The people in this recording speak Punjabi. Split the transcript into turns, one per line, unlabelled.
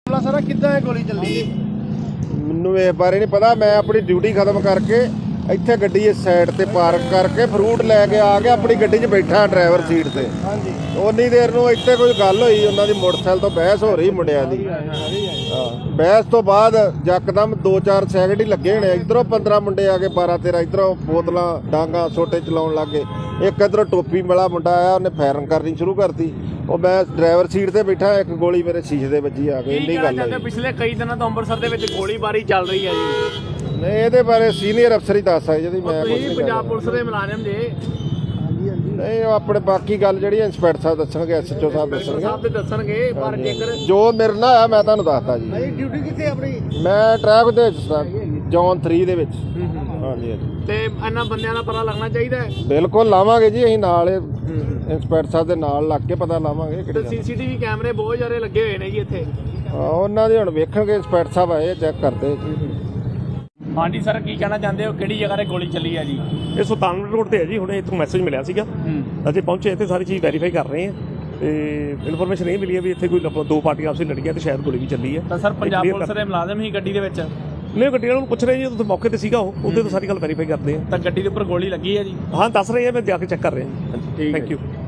ਸਾਰਾ ਕਿੱਦਾਂ ਇਹ ਗੋਲੀ ਚੱਲੀ?
ਮੈਨੂੰ ਇਸ ਬਾਰੇ ਨਹੀਂ ਪਤਾ। ਮੈਂ ਆਪਣੀ ਡਿਊਟੀ ਖਤਮ ਕਰਕੇ ਇੱਥੇ ਗੱਡੀ ਇਸ ਸਾਈਡ ਤੇ ਪਾਰਕ ਕਰਕੇ ਫਰੂਟ ਲੈ ਕੇ ਆ ਕੇ ਆਪਣੀ ਗੱਡੀ 'ਚ ਬੈਠਾ ਡਰਾਈਵਰ ਸੀਟ ਤੇ।
ਹਾਂਜੀ,
ਉਨੀ ਦੇਰ ਨੂੰ ਇੱਥੇ ਕੋਈ ਗੱਲ ਹੋਈ, ਉਹਨਾਂ ਦੀ ਮੋਟਰਸਾਈਕਲ ਤੋਂ ਬਹਿਸ ਹੋ ਰਹੀ ਮੁੰਡਿਆਂ ਦੀ। ਬਹਿਸ ਤੋਂ ਬਾਅਦ ਯਕਦਮ 2-4 ਸੈਕਿੰਡ ਹੀ ਲੱਗੇ ਹੋਣੇ। ਇੱਧਰੋਂ 15 ਮੁੰਡੇ ਆ ਕੇ 12-13 ਇੱਧਰੋਂ ਬੋਤਲਾਂ ਡਾਂਗਾ ਛੋਟੇ ਚਲਾਉਣ ਲੱਗੇ। ਇੱਕ ਇੱਧਰੋਂ ਟੋਪੀ ਵਾਲਾ ਮੁੰਡਾ ਆਇਆ, ਉਹਨੇ ਫਾਇਰਿੰਗ ਕਰਨੀ ਸ਼ੁਰੂ ਕਰਤੀ। ਉਹ ਮੈਂ ਡਰਾਈਵਰ ਸੀਟ ਤੇ ਬੈਠਾ, ਇੱਕ ਗੋਲੀ ਮੇਰੇ ਸ਼ੀਸ਼ੇ ਦੇ ਵੱਜੀ ਆ ਕੇ। ਇੰਨੀ ਗੱਲ ਹੈ।
ਪਿਛਲੇ ਕਈ ਦਿਨਾਂ ਤੋਂ ਅੰਮ੍ਰਿਤਸਰ ਦੇ ਵਿੱਚ ਗੋਲੀਬਾਰੀ ਚੱਲ ਰਹੀ ਹੈ ਜੀ।
ਨਹੀਂ, ਇਹਦੇ ਬਾਰੇ ਸੀਨੀਅਰ ਅਫਸਰ ਹੀ ਦੱਸ ਸਕਦੇ ਜੀ। ਮੈਂ
ਤੁਸੀਂ ਪੰਜਾਬ ਪੁਲਿਸ ਦੇ ਮੁਲਾਜ਼ਮ ਜੇ।
ਨਹੀਂ, ਉਹ ਆਪਣੇ ਬਾਕੀ ਗੱਲ ਜਿਹੜੀ ਇੰਸਪੈਕਟਰ ਸਾਹਿਬ ਦੱਸਣਗੇ, ਐਸਐਚਓ ਸਾਹਿਬ
ਸਾਹਿਬ ਤੇ ਦੱਸਣਗੇ। ਪਰ ਜੇਕਰ
ਜੋ ਮੇਰੇ ਨਾਲ ਆ ਮੈਂ ਤੁਹਾਨੂੰ ਦੱਸਦਾ ਜੀ।
ਡਿਊਟੀ ਕਿੱਥੇ ਆਪਣੀ?
ਮੈਂ ਟਰੈਫਿਕ ਦੇ ਜ਼ੋਨ 3 ਦੇ ਵਿੱਚ। ਹਾਂਜੀ ਹਾਂਜੀ।
ਤੇ ਇਹਨਾਂ ਬੰਦਿਆਂ ਦਾ ਪਤਾ ਲੱਗਣਾ ਚਾਹੀਦਾ ਹੈ।
ਬਿਲਕੁਲ ਲਾਵਾਂਗੇ ਜੀ, ਅਸੀਂ ਨਾਲ ਇੰਸਪੈਕਟਰ ਸਾਹਿਬ ਦੇ ਨਾਲ ਲੱਗ ਕੇ ਪਤਾ ਲਾਵਾਂਗੇ।
ਤੇ ਸੀਸੀਟੀਵੀ ਕੈਮਰੇ ਬਹੁਤ ਜ਼ਿਆਦਾ ਲੱਗੇ ਹੋਏ ਨੇ ਜੀ ਇੱਥੇ।
ਉਹਨਾਂ ਦੇ ਹੁਣ ਵੇਖਣਗੇ, ਇੰਸਪੈਕਟਰ ਸਾਹਿਬ ਆਏ ਚੈੱਕ ਕਰਦੇ।
ਹਾਂਜੀ ਸਰ, ਕੀ ਕਹਿਣਾ ਚਾਹੁੰਦੇ ਹੋ? ਕਿਹੜੀ ਜਗ੍ਹਾ ਤੇ ਗੋਲੀ ਚੱਲੀ ਹੈ ਜੀ?
ਇਹ ਸੁਲਤਾਨਪੁਰ ਰੋਡ ਤੇ ਹੈ ਜੀ। ਹੁਣੇ ਇੱਥੋਂ ਮੈਸੇਜ ਮਿਲਿਆ ਸੀਗਾ, ਅਸੀਂ ਪਹੁੰਚੇ ਇੱਥੇ, ਸਾਰੀ ਚੀਜ਼ ਵੈਰੀਫਾਈ ਕਰ ਰਹੇ ਹਾਂ। ਤੇ ਇਨਫੋਰਮੇਸ਼ਨ ਇਹ ਮਿਲੀ ਹੈ ਵੀ ਇੱਥੇ ਕੋਈ ਦੋ ਪਾਰਟੀਆਂ ਆਪਸ ਵਿੱਚ ਲੜੀਆਂ ਤੇ ਸ਼ਾਇਦ ਗੋਲੀ ਵੀ ਚੱਲੀ ਹੈ।
ਤਾਂ ਸਰ ਪੰਜਾਬ ਪੁਲਿਸ ਦੇ ਮੁਲਾਜ਼ਮ ਹੀ ਗੱਡੀ ਦੇ ਵਿੱਚ?
ਨਹੀਂ, ਗੱਡੀ ਵਾਲੇ ਨੂੰ ਪੁੱਛ ਰਹੇ ਜੀ, ਉੱਥੇ ਮੌਕੇ ਤੇ ਸੀਗਾ ਉਹ, ਉਹਦੇ ਤੋਂ ਸਾਰੀ ਗੱਲ ਵੈਰੀਫਾਈ ਕਰਦੇ ਆ।
ਤਾਂ ਗੱਡੀ ਦੇ ਉੱਪਰ ਗੋਲੀ ਲੱਗੀ ਹੈ ਜੀ?
ਹਾਂ, ਦੱਸ ਰਹੇ ਆ, ਮੈਂ ਜਾ ਕੇ ਚੈੱਕ ਕਰ ਰਿਹਾ ਜੀ। Thank you.